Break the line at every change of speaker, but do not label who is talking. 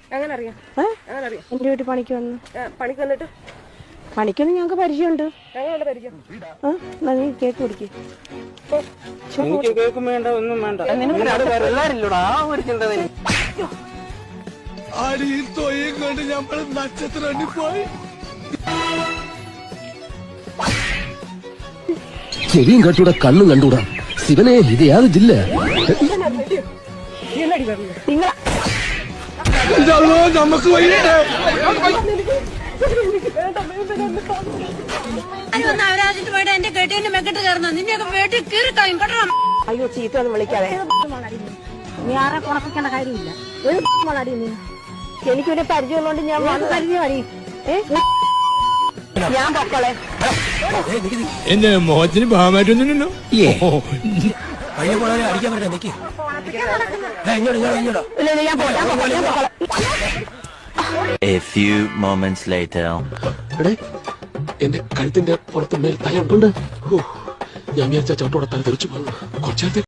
എങ്ങനെ അറിയാം?
എന്റെ വീട്ടിൽ പണിക്ക് വന്നു.
പണിക്ക് വന്നിട്ട്
പണിക്കൊന്നും ഞങ്ങൾക്ക് പരിചയമുണ്ട്.
എങ്ങനെയുള്ള പരിചയം?
നീ കേക്ക് കുടിക്കും.
എനിക്ക് കേൾക്കും വേണ്ട, ഒന്നും വേണ്ട. പിള്ളേരില്ലടാ, ആ ഒരു ചിന്ത
അടിയും തൊയ്യും കൊണ്ട് നമ്മൾ നക്ഷത്രം പോയി.
ചെവിയും കട്ടൂടാ, കണ്ണും കണ്ടൂടാ. ശിവനെ, ഇത് യാതൊരു ജില്ല.
നമുക്ക്
എന്റെ കെട്ടിന്റെ മെക്കെട്ട് കയറുന്ന നിന്നെയൊക്കെ വീട്ടിൽ കീറിക്കളയും കേട്ടോ.
അയ്യോ, ചീത്ത ഒന്നും വിളിക്കാതെ. നീ ആരെ കുണപ്പിക്കേണ്ട കാര്യമില്ല. എനിക്കൊരു പരിചയമുള്ളതുകൊണ്ട് ഞാൻ പരിചയമായി. ഞാൻ പൊക്കളെ
എന്റെ മോഹത്തിന് ഭാഗമായിട്ടൊന്നുമില്ലല്ലോ.
A few moments later.
എന്റെ കഴുത്തിന്റെ പുറത്ത് മേൽ തലയുണ്ട്. ഞാൻ വിചാരിച്ച ചോട്ടോടെ തല തെറിച്ചു പോകുന്നു. കുറച്ചു